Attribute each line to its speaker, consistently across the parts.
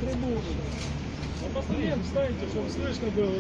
Speaker 1: Встаньте, чтобы слышно было.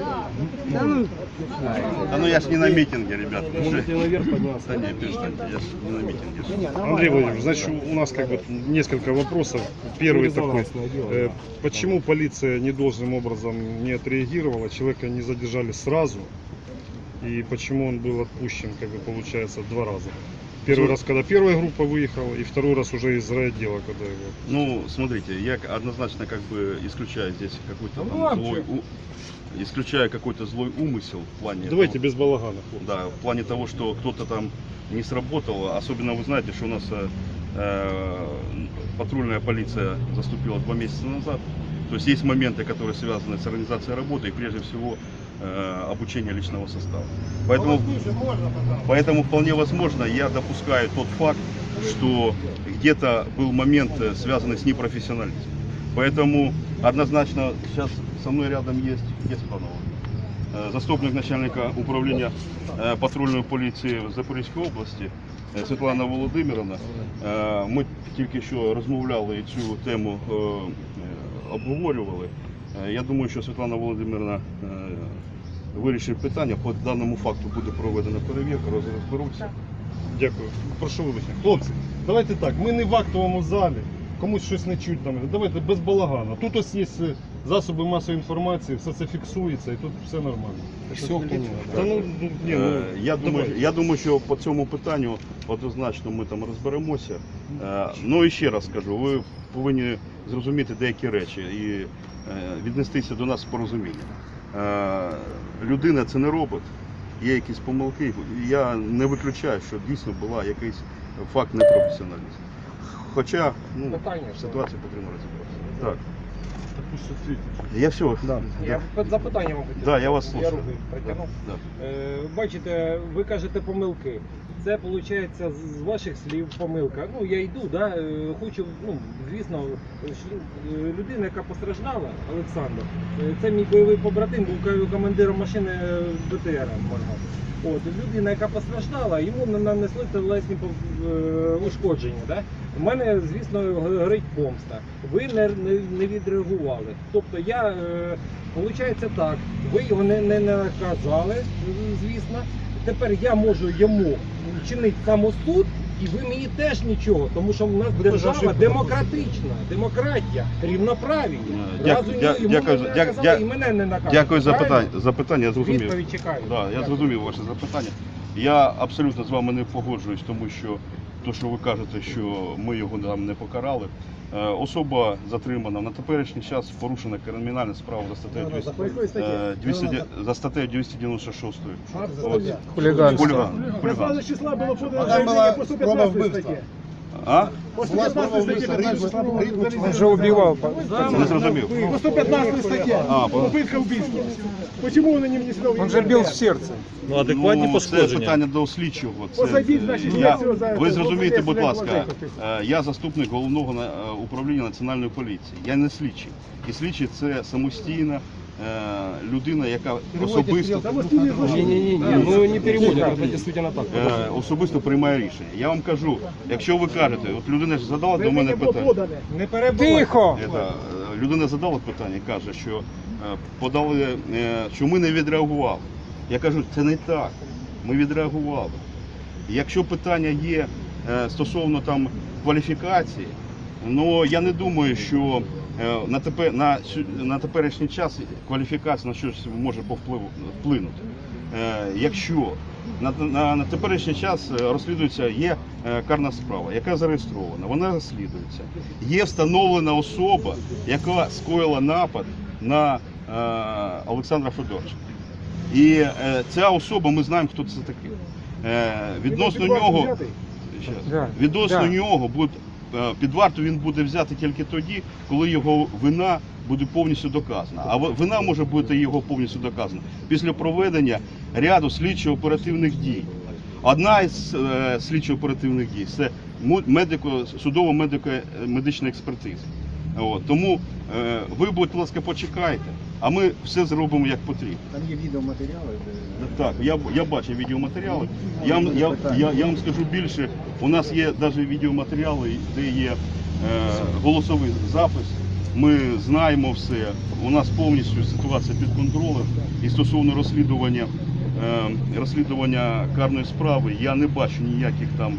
Speaker 2: Да ну я ж не на митинге, ребят.
Speaker 3: Можете наверх подняться.
Speaker 2: Да не, перестаньте, я ж не на митинге.
Speaker 1: Андрей Владимирович, значит, у нас как бы несколько вопросов. Первый такой, почему полиция недолжным образом не отреагировала, человека не задержали сразу, и почему он был отпущен, как бы получается, 2 раза? Первый раз, когда первая группа выехала, и второй раз уже из райотдела, когда его...
Speaker 2: Ну, смотрите, я однозначно как бы исключаю здесь какой-то там исключаю какой-то злой умысел в плане...
Speaker 1: Давайте
Speaker 2: того,
Speaker 1: без балагана.
Speaker 2: да, в плане того, что кто-то там не сработал. Особенно вы знаете, что у нас патрульная полиция заступила 2 месяца назад. То есть есть моменты, которые связаны с организацией работы и прежде всего обучение личного состава. Поэтому вполне возможно, я допускаю тот факт, что где-то был момент, связанный с непрофессионализмом. Поэтому однозначно сейчас со мной рядом есть заступник начальника управления патрульної поліції в Запорізькій області Світлана Володимирівна. Ми тільки що розмовляли і цю тему обговорювали. Я думаю, що Світлана Володимирівна вирішить питання, по даному факту буде проведена перевірка, розберуться.
Speaker 1: Дякую. Прошу вибачення. Хлопці, давайте так, ми не в актовому залі, комусь щось не чуть там. Давайте без балагану. Тут ось є засоби масової інформації, все це фіксується і тут все нормально. Та ну, ні,
Speaker 2: я думаю, що по цьому питанню однозначно ми там розберемося. Ну і ще раз скажу, ви повинні зрозуміти деякі речі і віднестися до нас з порозумінням. Людина це не робот, є якісь помилки, я не виключаю, що дійсно була якийсь факт непрофесіоналізму. Хоча ситуацію потрібно розібратися. Так. Я все.
Speaker 3: Я запитання вам хотів.
Speaker 2: Да, я вас слухаю.
Speaker 3: Я руки притягнув.
Speaker 2: Да.
Speaker 3: Бачите, ви кажете помилки. Це виходить з ваших слів помилка. Ну я йду, да, хочу, звісно, людина, яка постраждала, Олександр, це мій бойовий побратим, був командиром машини БТР. От, людина, яка постраждала, йому нанесли тілесні ушкодження. Да? У мене, звісно, горить помста. Ви не відреагували. Тобто я, виходить так, ви його не наказали, звісно. Тепер я можу йому чинити самосуд, і ви мені теж нічого, тому що у нас держава демократична, демократія, рівноправ'я. І мене не наказали.
Speaker 2: Дякую за запитання, я зрозумів.
Speaker 3: Відповідь чекаю.
Speaker 2: Да, я зрозумів ваше запитання. Я абсолютно з вами не погоджуюсь, тому що то, що ви кажете, що ми його там не покарали. Особа затримана на теперішній час, порушена кримінальна справа за статтею 296.
Speaker 1: Хуліганство.
Speaker 2: Хуліганство.
Speaker 4: числа було подано по 115 статті.
Speaker 2: А?
Speaker 4: По 115 статті.
Speaker 1: Він же убивав.
Speaker 2: Не зрозумів.
Speaker 4: По 115 статті. Попитка вбивства. Почему он не внесено?
Speaker 1: Він же бив в серце.
Speaker 5: Ну, адекватні
Speaker 2: Це
Speaker 5: пошкодження.
Speaker 2: питання до слідчого.
Speaker 4: Посадіть, значить, слідчого за
Speaker 2: Ви
Speaker 4: це.
Speaker 2: зрозумієте, будь
Speaker 4: Посадіть,
Speaker 2: ласка,
Speaker 4: посадіть.
Speaker 2: я заступник головного управління Національної поліції. Я не слідчий. І слідчий – це самостійна людина, яка особисто...
Speaker 3: Ну не переводять, це дійсно так.
Speaker 2: Особисто приймає рішення. Я вам кажу, якщо ви кажете, от людина ж задала до мене питання.
Speaker 3: Не перебувайте.
Speaker 1: Тихо!
Speaker 2: Людина задала питання і каже, що подали, що ми не відреагували. Я кажу, це не так, ми відреагували. Якщо питання є стосовно там кваліфікації, ну я не думаю, що на теперішній час кваліфікація на щось може вплинути. Якщо на теперішній час розслідується, є карна справа, яка зареєстрована, вона розслідується. Є встановлена особа, яка скоїла напад на Олександра Федоровича. І ця особа, ми знаємо, хто це такий. Відносно нього буде під варту він буде взяти тільки тоді, коли його вина буде повністю доказана. А вина може бути його повністю доказана після проведення ряду слідчо-оперативних дій. Одна із слідчо-оперативних дій – це судово-медична експертиза. Тому ви, будь ласка, почекайте, а ми все зробимо як потрібно.
Speaker 6: Там є відеоматеріали?
Speaker 2: Так, я бачив відеоматеріали. Я вам скажу більше, у нас є навіть відеоматеріали, де є голосовий запис ми знаємо все, у нас повністю ситуація під контролем. І стосовно розслідування карної справи, я не бачу ніяких там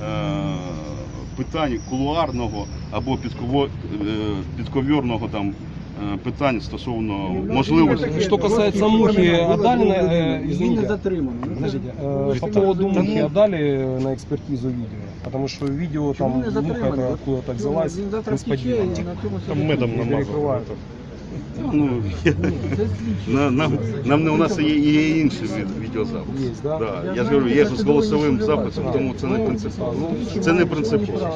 Speaker 2: питань кулуарного або підковірного там питань стосовно можливості.
Speaker 5: Что касается Мухи Адалина, извините, подождите, по поводу Мухи Адали на экспертизу видео, потому что видео там Муха это откуда-то взялась несподівано.
Speaker 1: Там медом намазал.
Speaker 5: Перекрывают.
Speaker 2: Ну, у нас є інші відеозаписи.
Speaker 5: Є, да?
Speaker 2: Да. Я ж говорю, є з голосовим записом, тому це не принципово. Це не принципово.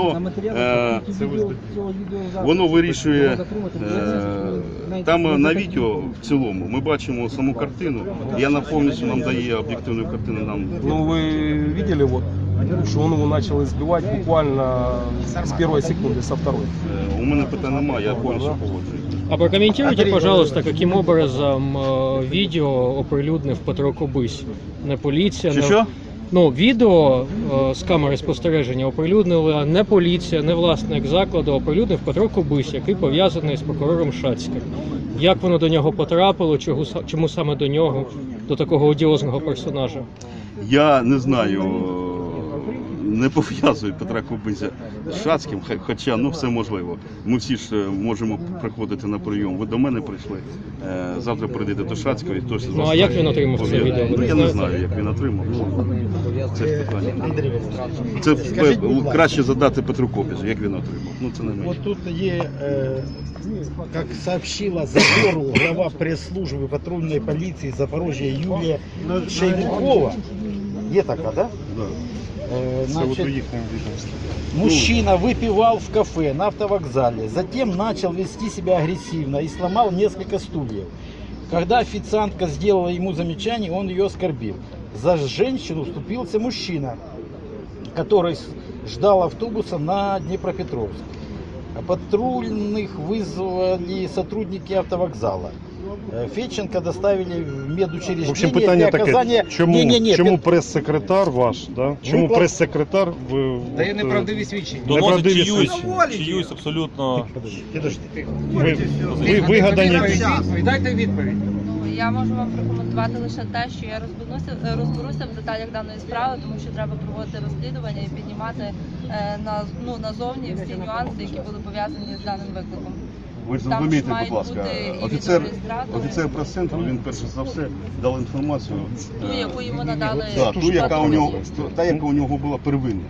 Speaker 2: Воно вирішує, там на відео в цілому ми бачимо саму картину, і вона повністю нам дає об'єктивну картину.
Speaker 5: Ну вы видели вот, что он его начал избивать буквально с первой секунды, со второй.
Speaker 2: У мене питань немає, я повністю погоджуюсь.
Speaker 6: А прокомментируйте, пожалуйста, каким образом видео оприлюднив Петро Кобись? Не поліція,
Speaker 2: Що?
Speaker 6: Ну, відео з камери спостереження оприлюднила не поліція, не власник закладу, а оприлюднив Петро Кобись, який пов'язаний з прокурором Шацьким. Як воно до нього потрапило, чому саме до нього, до такого одіозного персонажа?
Speaker 2: Я не знаю, не пов'язую Петра Кобизя з Шацьким, хоча все можливо. Ми всі ж можемо приходити на прийом. Ви до мене прийшли, завтра прийдете до Шацького і хтось з вас...
Speaker 6: Ну а як він отримав це відео? Ви
Speaker 2: Ну, я не
Speaker 6: знаєте?
Speaker 2: знаю, як він отримав. Це питання. Це краще задати Петру Кобизю, як він отримав. Ну це не мені.
Speaker 7: Вот тут как сообщила Задору глава пресс-службы патрульной полиции Запорожья Юлия Шеймукова, є така, да?
Speaker 1: Да. Це
Speaker 7: Значит,
Speaker 1: от у їхньому відомстві.
Speaker 7: мужчина выпивал в кафе на автовокзале, затем начал вести себя агрессивно и сломал несколько стульев. Когда официантка сделала ему замечание, он ее оскорбил. За женщину вступился мужчина, который ждал автобуса на Днепропетровск. Патрульных вызвали сотрудники автовокзала. Федченко доставили в медучреждение.
Speaker 1: В общем, питання
Speaker 7: для
Speaker 1: таке,
Speaker 7: оказания...
Speaker 1: чому прес-секретар ваш, да? Чому прес-секретар
Speaker 3: Дає неправдиві свідчення.
Speaker 1: неправдиві свідчення?
Speaker 8: Чиюсь абсолютно
Speaker 1: Ви вигадані.
Speaker 3: Дайте відповідь.
Speaker 9: Я можу вам прокоментувати лише те, що я розберуся в деталях даної справи, тому що треба проводити розслідування і піднімати назовні всі нюанси, які були пов'язані з даним викликом.
Speaker 2: Ви ж
Speaker 9: Там
Speaker 2: зрозумієте,
Speaker 9: ж мають
Speaker 2: будь ласка,
Speaker 9: бути і
Speaker 2: офіцер
Speaker 9: відеореєстратори.
Speaker 2: прес-центру, він перше за все дав інформацію.
Speaker 9: Ту, яку йому надали
Speaker 2: Ту, яка у нього була первинна.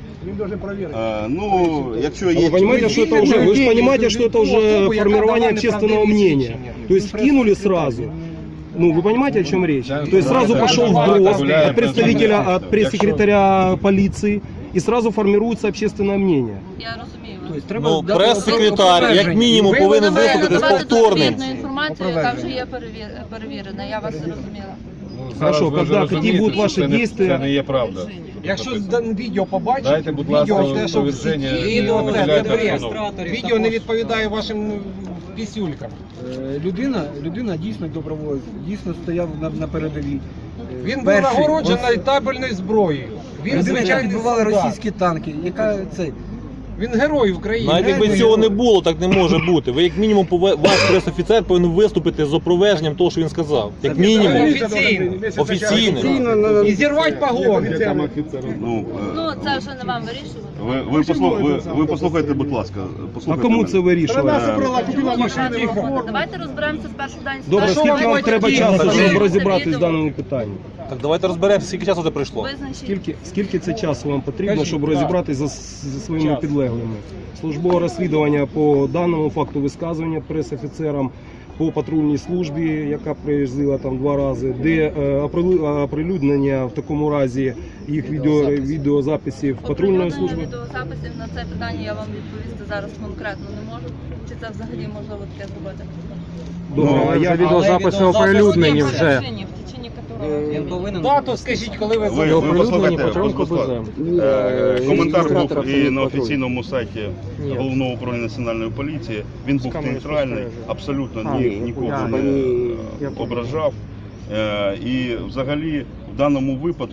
Speaker 2: Ну, якщо є...
Speaker 5: Вы понимаете, что это уже, вы же понимаете, что это уже формирование общественного мнения. То есть вкинули сразу. Ну, вы понимаете, о чем речь? То есть сразу пошел вброс от представителя, от пресс-секретаря полиции, и сразу формируется общественное мнение.
Speaker 9: Я розумію.
Speaker 8: ну, прес-секретар, як мінімум, повинен виступити з повторним.
Speaker 9: Інформацію, яка вже є перевірена, я вас зрозуміла.
Speaker 5: Хорошо, когда, какие будут ваши действия?
Speaker 8: Це не є правда.
Speaker 3: Якщо відео побачить,
Speaker 8: Дайте, будь ласка,
Speaker 3: відео те, що в сіті,
Speaker 8: відповідь,
Speaker 3: відео це
Speaker 8: виділяйте
Speaker 3: бред.
Speaker 8: обстановку.
Speaker 3: Відео не відповідає вашим пісюлькам.
Speaker 4: Людина дійсно доброволець, дійсно стояв на передовій.
Speaker 3: Він був
Speaker 4: Перший.
Speaker 3: нагороджений табельною зброєю. Він
Speaker 4: Людина, яка
Speaker 3: звичайний
Speaker 4: підбивала
Speaker 3: солдат.
Speaker 4: російські танки, яка цей.
Speaker 3: Він герой України.
Speaker 8: Навіть якби цього не було, так не може бути. Ви як мінімум, ваш прес-офіцер повинен виступити з опроверженням того, що він сказав. Як мінімум.
Speaker 3: Офіційно.
Speaker 8: Офіційно.
Speaker 3: І зірвати погони.
Speaker 2: Ну,
Speaker 9: Ну, це вже не вам вирішувати.
Speaker 2: ви послухайте, будь ласка.
Speaker 5: А
Speaker 2: Послухайте
Speaker 5: кому
Speaker 2: мене.
Speaker 5: це вирішувати?
Speaker 7: купила машину.
Speaker 9: Давайте розберемося спершу дані
Speaker 5: Добре,
Speaker 3: що
Speaker 5: скільки
Speaker 3: ви
Speaker 5: вам треба
Speaker 3: хочете
Speaker 5: часу,
Speaker 3: діяти?
Speaker 5: щоб розібратись в даному питанні?
Speaker 8: Так давайте розберемося, скільки часу це пройшло.
Speaker 5: Скільки це часу вам потрібно, щоб розібратися зі своїми підлеглими? Службове розслідування по даному факту висказування прес-офіцерам, по патрульній службі, яка приїздила там 2 рази, де оприлюднення в такому разі їх відеозаписів патрульної служби.
Speaker 9: Відеозаписів на це питання я вам відповісти зараз конкретно не можу. Чи це взагалі можливо таке зробити?
Speaker 5: Добре, а я
Speaker 6: Відеозаписи оприлюднені вже.
Speaker 9: Він повинен.
Speaker 3: Дату скажіть, коли ви
Speaker 2: Ви
Speaker 6: Оприлюднені
Speaker 2: послухайте,
Speaker 6: Петром
Speaker 2: будь ласка.
Speaker 6: Кобизем.
Speaker 2: Коментар був і
Speaker 6: Патруль.
Speaker 2: на офіційному сайті
Speaker 6: Ні.
Speaker 2: Головного управління національної поліції. Він був
Speaker 6: камери
Speaker 2: нейтральний,
Speaker 6: спостереження.
Speaker 2: абсолютно нікого
Speaker 6: я
Speaker 2: не ображав. І взагалі в даному випадку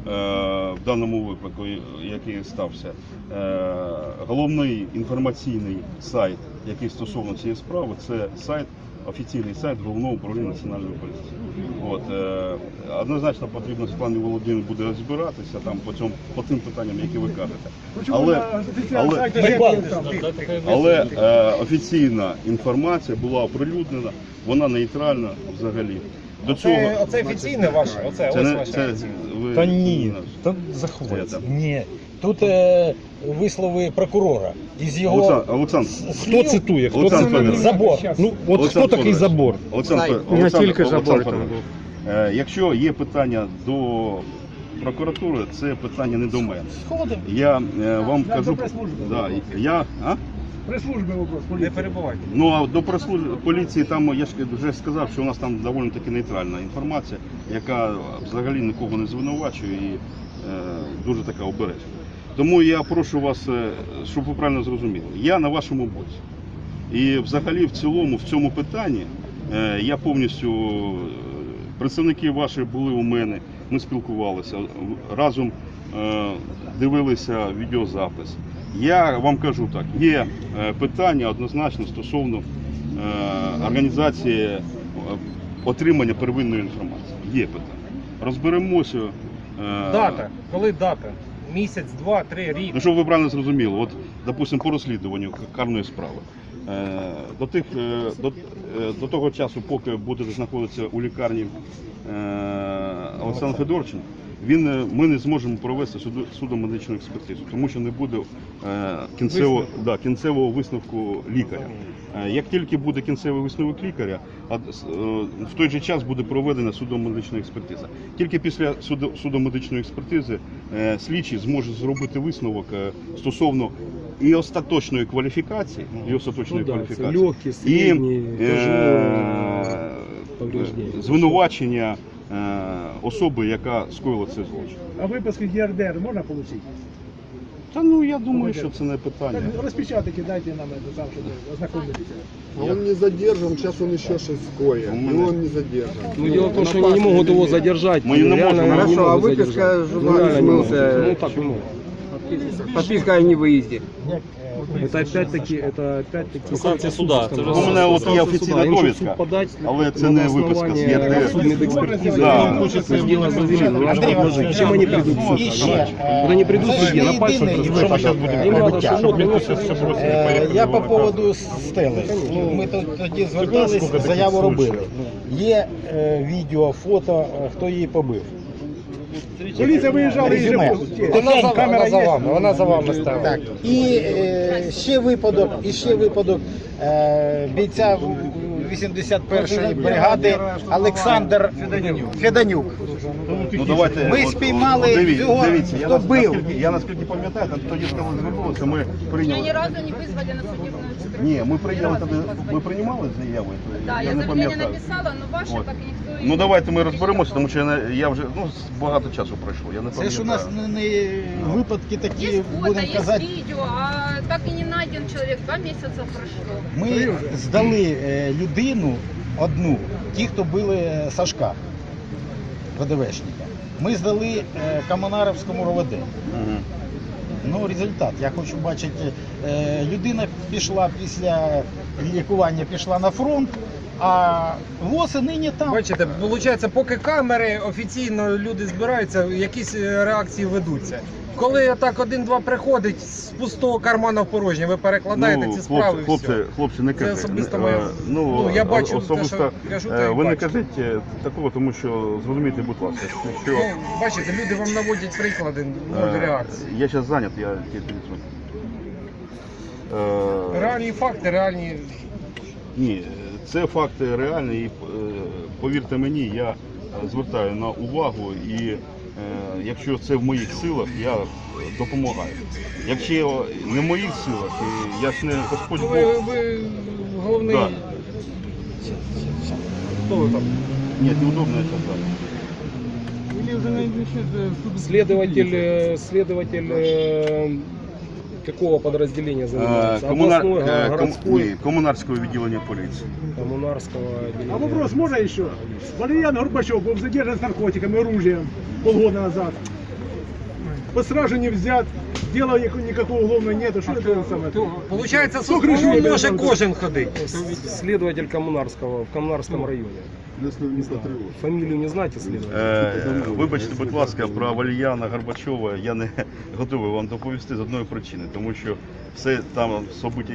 Speaker 2: в даному випадку, який стався, головний інформаційний сайт, який стосовно цієї справи, це сайт, офіційний сайт Головного управління Національної поліції. От, однозначно потрібно Світлані Володимирівні буде розбиратися там по тим питанням, які ви кажете. Але офіційна інформація була оприлюднена, вона нейтральна взагалі. До цього
Speaker 3: Оце офіційне ваше? Оце
Speaker 2: це
Speaker 3: ось
Speaker 2: не
Speaker 3: ваше
Speaker 2: це
Speaker 3: офіційне.
Speaker 2: ви
Speaker 7: Та ні,
Speaker 2: це,
Speaker 7: заховайте.
Speaker 2: там.
Speaker 7: Ні. Тут вислови прокурора. Із його
Speaker 2: Олександр,
Speaker 5: Хто цитує? Хто
Speaker 2: Олександр
Speaker 5: цитує?
Speaker 2: Федорович.
Speaker 7: забор.
Speaker 5: Ну, от
Speaker 2: Олександр
Speaker 5: хто такий
Speaker 2: Федорович.
Speaker 5: забор?
Speaker 2: Олександр Федорович, якщо є питання до прокуратури, це питання не до мене.
Speaker 7: Сходимо.
Speaker 2: Я вам
Speaker 4: Да,
Speaker 2: кажу,
Speaker 4: до прес-служби.
Speaker 2: да,
Speaker 4: Прес-служби вопрос.
Speaker 3: Не
Speaker 4: поліції.
Speaker 3: перебувайте.
Speaker 2: Ну а до поліції там я ж вже сказав, що у нас там доволі таки нейтральна інформація, яка взагалі нікого не звинувачує і дуже така обережна. Тому я прошу вас, щоб ви правильно зрозуміли, я на вашому боці. І взагалі в цілому в цьому питанні я повністю, представники ваші були у мене, ми спілкувалися, разом дивилися відеозапис. Я вам кажу так, є питання однозначно стосовно організації отримання первинної інформації. Є питання. Розберемося.
Speaker 3: Дата. Коли дата? Місяць, 2, 3, рік.
Speaker 2: Ну, щоб ви правильно зрозуміли, от, допустимо, по розслідуванню карної справи. До того часу, поки будете знаходитися у лікарні Олександр Федорович, ми не зможемо провести судово-медичну експертизу, тому що не буде кінцевого висновку лікаря. Як тільки буде кінцевий висновок лікаря, в той же час буде проведена судово-медична експертиза. Тільки після судово-медичної експертизи слідчий зможе зробити висновок стосовно і остаточної кваліфікації,
Speaker 5: Легкі, середні,
Speaker 2: звинувачення особи, яка скоїла цей злочин.
Speaker 4: А виписки ЄРДР можна отримати?
Speaker 2: Та ну я думаю, що це не питання.
Speaker 4: Так, розпечатки дайте нам это сам, щоб ознакомитися.
Speaker 10: Он не задержан, сейчас он еще шесткое. И он не задержан.
Speaker 5: Ну, дело в том, что они не могут его задержать.
Speaker 2: Мы не
Speaker 5: Реально
Speaker 2: можем.
Speaker 5: они не
Speaker 10: Хорошо, а
Speaker 5: могут
Speaker 10: выписка
Speaker 5: задержать.
Speaker 10: журналист
Speaker 5: реально не
Speaker 10: смылся.
Speaker 5: могут. Ну, так не могут.
Speaker 10: Подписка о невыезде.
Speaker 5: Это опять-таки
Speaker 8: Санкція суда. Це вже
Speaker 2: У мене от є офіційна довідка, але це не виписка з ЄРДР.
Speaker 5: Судмедэкспертизы.
Speaker 2: Да.
Speaker 5: Хочется дело завели, но надо предложить. Чем они придут в суд?
Speaker 7: І ще,
Speaker 5: Вот они придут в
Speaker 7: це
Speaker 5: суд,
Speaker 7: ж
Speaker 5: на
Speaker 7: не
Speaker 5: пальцах
Speaker 7: єдиний
Speaker 5: разбирать. Им надо, что вот,
Speaker 7: Я по поводу стели. Ми тоді звертались, заяву робили. Є відео, фото, хто її побив.
Speaker 4: Поліція виїжджала і
Speaker 7: Резюме.
Speaker 3: Вона за вами, вона за вами ставила.
Speaker 7: Так. І ще випадок бійця 81-ї бригади Олександр Феданюк.
Speaker 2: Ну, давайте,
Speaker 7: Ми спіймали цього, хто бив.
Speaker 2: Я наскільки пам'ятаю, тоді коли звернулися, ми
Speaker 9: Меня
Speaker 2: прийняли.
Speaker 9: ни разу не вызвали на судебную экспертизу.
Speaker 2: Ні, ми прийняли тоді, ми приймали заяви?
Speaker 9: Да, я заявление написала, но ваше
Speaker 2: От.
Speaker 9: так и никто и
Speaker 2: Ну давайте ми розберемося, тому що я вже багато часу пройшло. Я не
Speaker 7: Це ж у нас
Speaker 2: пам'ятаю.
Speaker 7: не випадки такі,
Speaker 9: Есть фото,
Speaker 7: будемо
Speaker 9: есть
Speaker 7: казати.
Speaker 9: видео, а так и не найден человек. 2 месяца прошло.
Speaker 7: Ми здали людину одну, ті, хто били Сашка, ВДВшника. Ми здали Комунаровському РОВД.
Speaker 2: Мгм.
Speaker 7: Ну, результат. Я хочу бачити, людина пішла після лікування, пішла на фронт, а ВОЗ і нині там.
Speaker 3: Бачите, виходить, поки камери офіційно люди збираються, якісь реакції ведуться. Коли так 1-2 приходить з пустого кармана в порожнє, ви перекладаєте ці справи і все.
Speaker 2: Хлопці, не
Speaker 3: Це
Speaker 2: кажіть.
Speaker 3: особисто моя-
Speaker 2: Ну,
Speaker 3: я бачу те,
Speaker 2: особисто,
Speaker 3: що кажу, те і
Speaker 2: ви не
Speaker 3: бачу.
Speaker 2: кажіть такого, тому що зрозумійте, будь ласка, що
Speaker 3: Ну, бачите, люди вам наводять приклади, нуль реакції.
Speaker 2: я зараз зайнят, я тільки
Speaker 3: Реальні факти, реальні.
Speaker 2: Ні, це факти реальні і повірте мені, я звертаю на увагу і якщо це в моїх силах, я допомагаю. Якщо не в моїх силах, і я ж не Господь Бог.
Speaker 3: Ви головний.
Speaker 2: Да.
Speaker 3: Хто ви там?
Speaker 2: Ні, неудобно я зараз.
Speaker 5: Следователь какого подразделения занимается? Областной, городской,
Speaker 2: Комунарського відділення поліції.
Speaker 5: коммунарского
Speaker 4: А
Speaker 5: отделения.
Speaker 4: вопрос можно еще? Валерьян Горбачев был задержан с наркотиками, оружием полгода назад. по стражу не взят, дела никакого уголовного нету. Что это самое?
Speaker 3: Получається,
Speaker 4: Хто
Speaker 3: со
Speaker 4: кришує,
Speaker 3: сторони може
Speaker 4: да,
Speaker 3: кожен ходити.
Speaker 5: Следователь Коммунарского в Коммунарском районе. Фамилию не знаете следователя?
Speaker 2: Вибачте, будь ласка, про Валіяна Горбачова я не готовий вам доповісти з одної причини, тому що все там события,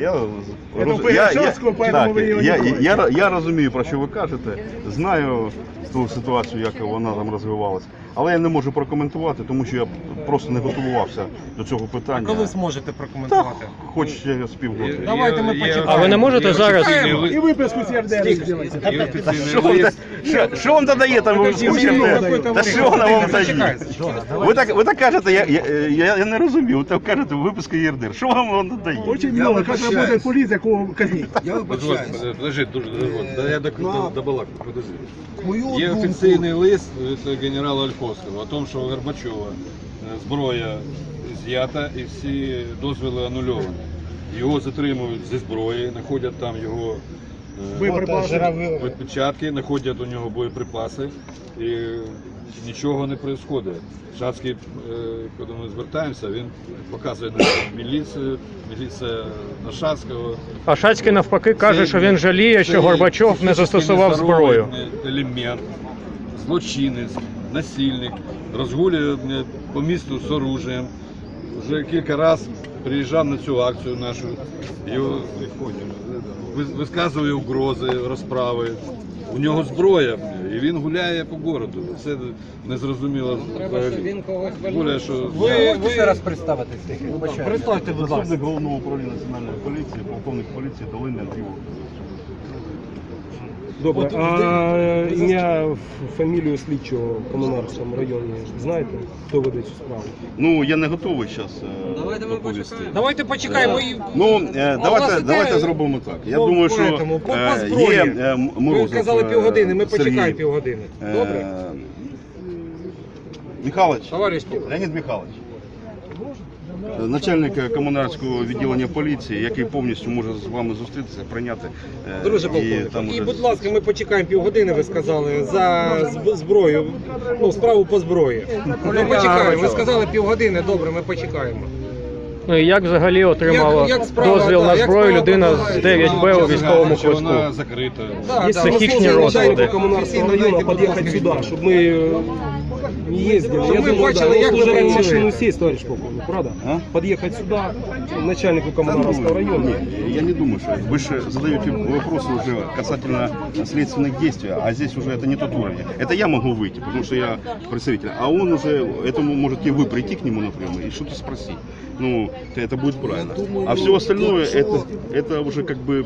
Speaker 2: я розумію, про що ви кажете, знаю ту ситуацію, як вона там розвивалася, але я не можу прокоментувати, тому що я просто не готувався до цього питання.
Speaker 3: Коли зможете прокоментувати?
Speaker 2: Хоч ще з півгода.
Speaker 3: Давайте ми почекаємо.
Speaker 6: А ви не можете зараз?
Speaker 4: И выписку с РДР сделайте.
Speaker 2: Що вам додає там вивчити? Та що вона вам дає? Ви так кажете, я не розумію, ви так кажете, виписка ЄРДР. Що вам додає?
Speaker 4: Очень много, как работает полиция, кого казнить.
Speaker 11: Подожди, я добалакаю, подожди. Є офіційний лист від генерала Ольховського о тому, що у Горбачова зброя з'ята і всі дозволи анульовані. Його затримують зі зброї, знаходять там його відпечатки, знаходять у нього боєприпаси і нічого не відбувається. Шацький, коли ми звертаємося, він показує на міліцію, міліція на Шацького.
Speaker 6: А Шацький навпаки каже, що він жаліє, що Горбачов не застосував зброю.
Speaker 11: Елемент, злочинець, насильник, розгулює по місту з оружием. Вже кілька разів приїжджав на цю акцію нашу, його висказує угрози, розправи. У нього зброя, і він гуляє по городу. Це незрозуміло. Гуляє, що...
Speaker 3: Ви ще раз представитись. Представте, будь ласка.
Speaker 2: Заступник головного управління національної поліції, полковник поліції Долинний Андрій.
Speaker 5: Добре, а ім'я, фамілію слідчого в Комунарському районі знаєте? Хто веде цю справу?
Speaker 2: Ну, я не готовий зараз доповісти.
Speaker 3: Давайте почекаємо.
Speaker 2: Ну, давайте зробимо так. Я думаю, що є Морозов.
Speaker 3: Ви казали півгодини, ми
Speaker 2: Сергій.
Speaker 3: почекаємо півгодини. Добре?
Speaker 2: Михайлович,
Speaker 3: Товариш
Speaker 2: Леонід Михайлович, начальник комунарського відділення поліції, який повністю може з вами зустрітися, прийняти.
Speaker 3: Друже полковник, і, будь ласка, ми почекаємо півгодини, ви сказали, за зброю, ну, справу по зброї. Ми почекаємо, ви сказали півгодини, добре, ми почекаємо.
Speaker 6: Ну і як взагалі отримала
Speaker 3: Як справа,
Speaker 6: дозвіл на
Speaker 3: як
Speaker 6: зброю
Speaker 3: справа
Speaker 6: людина з
Speaker 3: протікає?
Speaker 6: 9Б у військовому
Speaker 11: Чи вона
Speaker 6: квитку?
Speaker 11: закрита?
Speaker 3: Да,
Speaker 5: Есть
Speaker 6: психичные розлади.
Speaker 5: Коммунарского района подъехать сюда, чтобы мы не ездили.
Speaker 3: Чтобы
Speaker 5: Я
Speaker 3: мы
Speaker 5: думаю,
Speaker 3: бачили,
Speaker 5: да,
Speaker 3: як
Speaker 5: вы
Speaker 3: ви
Speaker 5: уже в
Speaker 3: працюєте.
Speaker 5: машину сесть, товарищ полковник, правда? Подъехать сюда, начальнику Коммунарского района.
Speaker 2: Нет, я не думаю, что вы же задаете вопросы уже касательно следственных действий, а здесь уже это не тот уровень. Это я могу выйти, потому что я представитель, а он уже, этому можете вы прийти к нему напрямую и что-то спросить. Ну, это будет правильно. А все остальное, это уже как бы,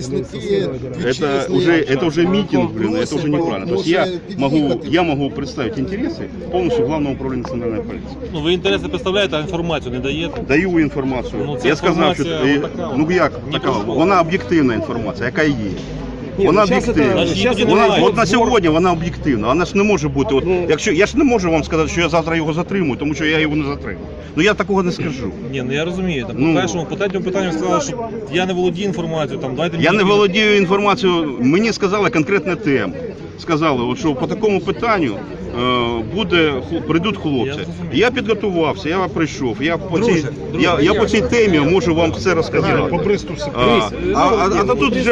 Speaker 2: это уже митинг, блин, это уже неправильно. То есть я могу представить интересы полностью Главного управления национальной полиции.
Speaker 8: Ну ви інтереси представляєте, а інформацію не даєте?
Speaker 2: Даю інформацію.
Speaker 8: Ну, це
Speaker 2: я сказав, що
Speaker 8: інформація отака,
Speaker 2: ну як
Speaker 8: ні
Speaker 2: така,
Speaker 8: про що.
Speaker 2: вона об'єктивна інформація, яка є.
Speaker 5: Ні,
Speaker 2: Вона
Speaker 5: ну, щас
Speaker 2: об'єктивна.
Speaker 5: это- щас
Speaker 2: Вона,
Speaker 5: это
Speaker 2: от на
Speaker 5: сбор-
Speaker 2: сьогодні вона об'єктивна. Вона ж не може бути. От, якщо я ж не можу вам сказати, що я завтра його затримую, тому що я його не затримую. Ну я такого не скажу.
Speaker 8: Ні, ну я розумію. Там,
Speaker 2: Ну.
Speaker 8: по третьому питанню сказали, що я не володію інформацією, там, дайте
Speaker 2: Я
Speaker 8: мені...
Speaker 2: не володію інформацією, мені сказали конкретну тему. Сказали, от, що по такому питанню прийдуть хлопці. Я підготувався, я прийшов, я по цій темі можу вам все розказати.
Speaker 1: По Бресту все.
Speaker 2: А тут вже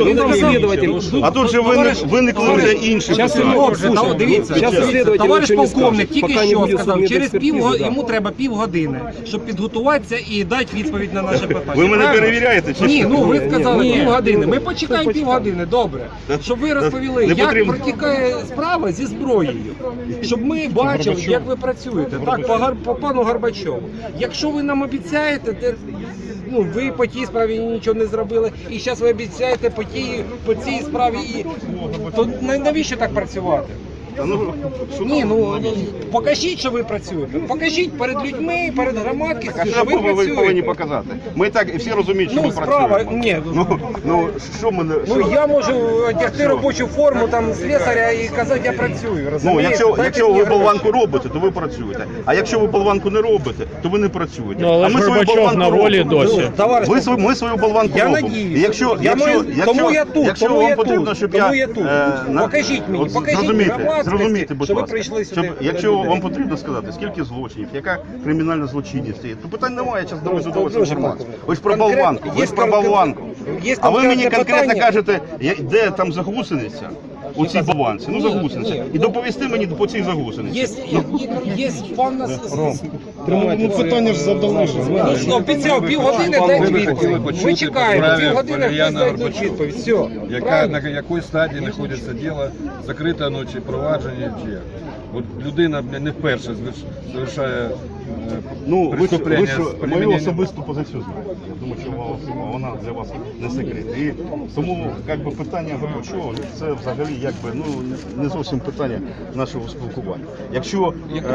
Speaker 2: виникли вже інші питання.
Speaker 3: Добре, дивіться,
Speaker 5: Щас следователь
Speaker 3: товариш
Speaker 5: нічого не
Speaker 3: полковник
Speaker 5: скаже,
Speaker 3: тільки
Speaker 5: поки не
Speaker 3: що
Speaker 5: буде
Speaker 3: сказав, через
Speaker 5: судмедекспертизи, да.
Speaker 3: йому треба півгодини, щоб підготуватися і дати відповідь на наше питання.
Speaker 2: Ви мене
Speaker 3: Правильно?
Speaker 2: перевіряєте? Чи
Speaker 3: Ні,
Speaker 2: що?
Speaker 3: ну ви сказали
Speaker 5: Ні.
Speaker 3: півгодини. Ми почекаємо півгодини, добре. Щоб ви розповіли,
Speaker 2: Не
Speaker 3: як
Speaker 2: потрібно.
Speaker 3: протікає справа зі зброєю. Щоб ми бачили, як ви працюєте. Так, по пану Горбачову. Якщо ви нам обіцяєте, ну, ви по тій справі нічого не зробили, і зараз ви обіцяєте по цій справі, то навіщо так працювати? Ні, ну покажіть, що ви працюєте. Покажіть перед людьми, перед громадськістю, що ви
Speaker 2: ви повинні
Speaker 3: працюєте.
Speaker 2: показати. Ми так і всі розуміють, що
Speaker 3: Ну,
Speaker 2: ми
Speaker 3: справа,
Speaker 2: працюємо.
Speaker 3: ні.
Speaker 2: Ну, що ми не...
Speaker 3: Ну я можу одягти робочу форму там слесаря і казати, я працюю.
Speaker 2: Ну,
Speaker 3: Розумієте? Дайте
Speaker 2: якщо
Speaker 3: мені
Speaker 2: ви
Speaker 3: гроші.
Speaker 2: болванку робите, то ви працюєте. А якщо ви болванку не робите, то ви не працюєте.
Speaker 6: Ну, але
Speaker 2: а
Speaker 6: ж
Speaker 2: ми свою
Speaker 6: Горбачов
Speaker 2: болванку
Speaker 6: на волі
Speaker 2: робимо.
Speaker 6: досі.
Speaker 3: Товариш,
Speaker 2: Ми свою болванку
Speaker 3: я
Speaker 2: робимо.
Speaker 3: надіюсь.
Speaker 2: І Якщо
Speaker 3: Тому я тут,
Speaker 2: якщо
Speaker 3: тому
Speaker 2: вам
Speaker 3: я
Speaker 2: потрібно,
Speaker 3: тут,
Speaker 2: щоб
Speaker 3: тому
Speaker 2: я...
Speaker 3: я тут. Покажіть мені, покажіть
Speaker 2: зрозумійте,
Speaker 3: громадськості,
Speaker 2: зрозумійте, будь
Speaker 3: що ви
Speaker 2: ласка,
Speaker 3: прийшли сюди.
Speaker 2: якщо вам потрібно сказати, скільки злочинів, яка кримінальна злочинність, то питань немає, я зараз доведу до вас
Speaker 3: Дуже
Speaker 2: інформацію.
Speaker 3: конкретно.
Speaker 2: Ви ж про
Speaker 3: Конкретно.
Speaker 2: болванку, ви
Speaker 3: Є
Speaker 2: ж про болванку.
Speaker 3: Є
Speaker 2: А ви мені
Speaker 3: конкретне
Speaker 2: конкретно
Speaker 3: питання.
Speaker 2: кажете, де там загусениця у цій болванці, ну загусениця. І доповісти мені по цій загусениці.
Speaker 3: Є певна...
Speaker 1: Ну питання ж задали.
Speaker 3: Ну, обіцяв півгодини дайте
Speaker 11: Ви хотіли
Speaker 3: відповідь.
Speaker 11: почути
Speaker 3: Ми
Speaker 11: по
Speaker 3: чекаємо,
Speaker 11: справі
Speaker 3: півгодини
Speaker 11: Валеріана
Speaker 3: хтось дасть
Speaker 11: Горбачова.
Speaker 3: відповідь. Все.
Speaker 11: Яка, на якій стадії знаходиться діло, закрите воно чи провадження, чи як. От людина не вперше завершає
Speaker 2: Ну, ви
Speaker 11: преступлення
Speaker 2: ж
Speaker 11: з
Speaker 2: мою
Speaker 11: примененням.
Speaker 2: особисту позицію знаєте. Я думаю, що вона для вас не секрет. І тому якби, питання Горбачова, це взагалі якби, ну, не зовсім питання нашого спілкування. Якщо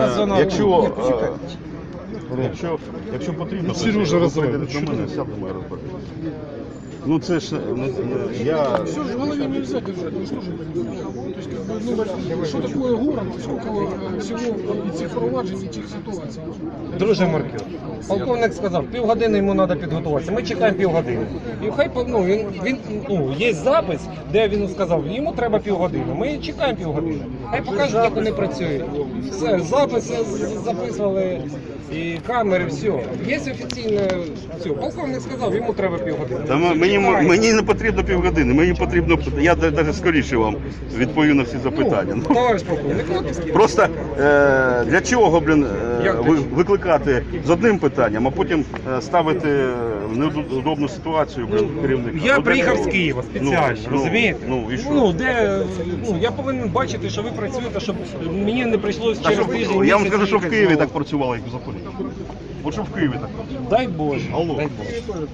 Speaker 2: потрібно,
Speaker 1: Сережа
Speaker 2: ви
Speaker 1: розуміє.
Speaker 2: прийдете до мене, сядемо і розберемося. Ну це ж я...
Speaker 4: Все же в голове нельзя держать, ну что же это не знаю. То есть, как бы, ну, что такое город, сколько всего этих проваджений, этих ситуаций.
Speaker 3: Друже Марків, полковник сказав, півгодини йому треба підготуватися. Ми чекаємо півгодини. І хай є запис, де він сказав, йому треба півгодини. Ми чекаємо півгодини. Хай покажуть, як вони працюють. Все, записи записували, і камери, все. Є офіційне, все. Полковник сказав, йому треба півгодини.
Speaker 2: Та мені не потрібно півгодини, мені потрібно, я навіть скоріше вам відповім на всі запитання.
Speaker 3: Ну, товариш полковник, от
Speaker 2: Просто для чого, викликати з одним питанням, а потім ставити в неудобну ситуацію, керівника.
Speaker 3: я приїхав з Києва спеціально, розумієте?
Speaker 2: Ну, і що?
Speaker 3: Я повинен бачити, що ви працюєте, щоб мені не прийшлося
Speaker 2: Та
Speaker 3: через
Speaker 2: що,
Speaker 3: тиждень.
Speaker 2: я вам
Speaker 3: місяць
Speaker 2: скажу, що в
Speaker 3: їхати
Speaker 2: Києві
Speaker 3: знову.
Speaker 2: так працювало, як в Запоріжжі. От що в Києві так працювало.
Speaker 3: Дай Боже.
Speaker 2: Алло.
Speaker 3: Дай Боже.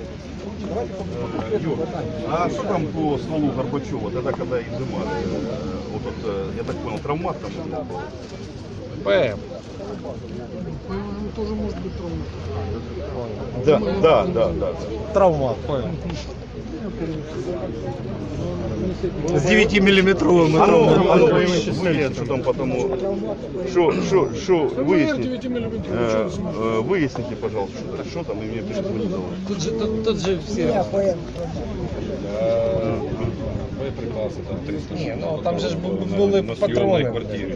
Speaker 2: А что там по стволу Горбачева, тогда, когда изымали? Вот тут, я так понял, травмат там был?
Speaker 3: ПМ.
Speaker 4: Тоже может быть травма.
Speaker 2: Да.
Speaker 3: Травмат. ПМ. З 9-миллиметровым.
Speaker 2: А ну, выясни, что там потому... Что, выясните, пожалуйста, что там, и мне перезвонить.
Speaker 3: Тут же все.
Speaker 11: Боєприпаси, там 300
Speaker 3: Ні, ну там же ж були патрони.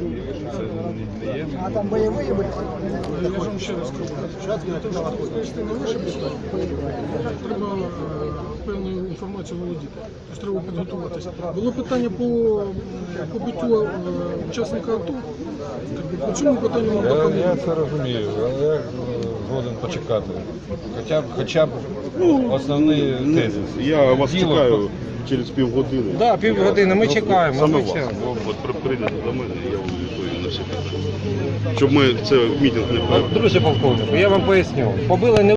Speaker 4: А там боевые были? Я вам ще раз скажу. Відповісти на ваше питання, треба певною інформацією володіти. Тобто треба підготуватися. Було питання по побиттю учасника АТО. По цьому питанню нам поки
Speaker 11: Я це розумію, але я згоден почекати. Хоча б основні тези.
Speaker 2: Я вас чекаю через півгодини.
Speaker 3: Так, півгодини, ми чекаємо.
Speaker 2: Саме
Speaker 3: ми
Speaker 2: вас.
Speaker 3: чекаємо.
Speaker 2: От прийдете до мене, я вам відповім на всі питання. Щоб ми це мітинг не
Speaker 3: Друже полковнику, я вам поясню. Побили не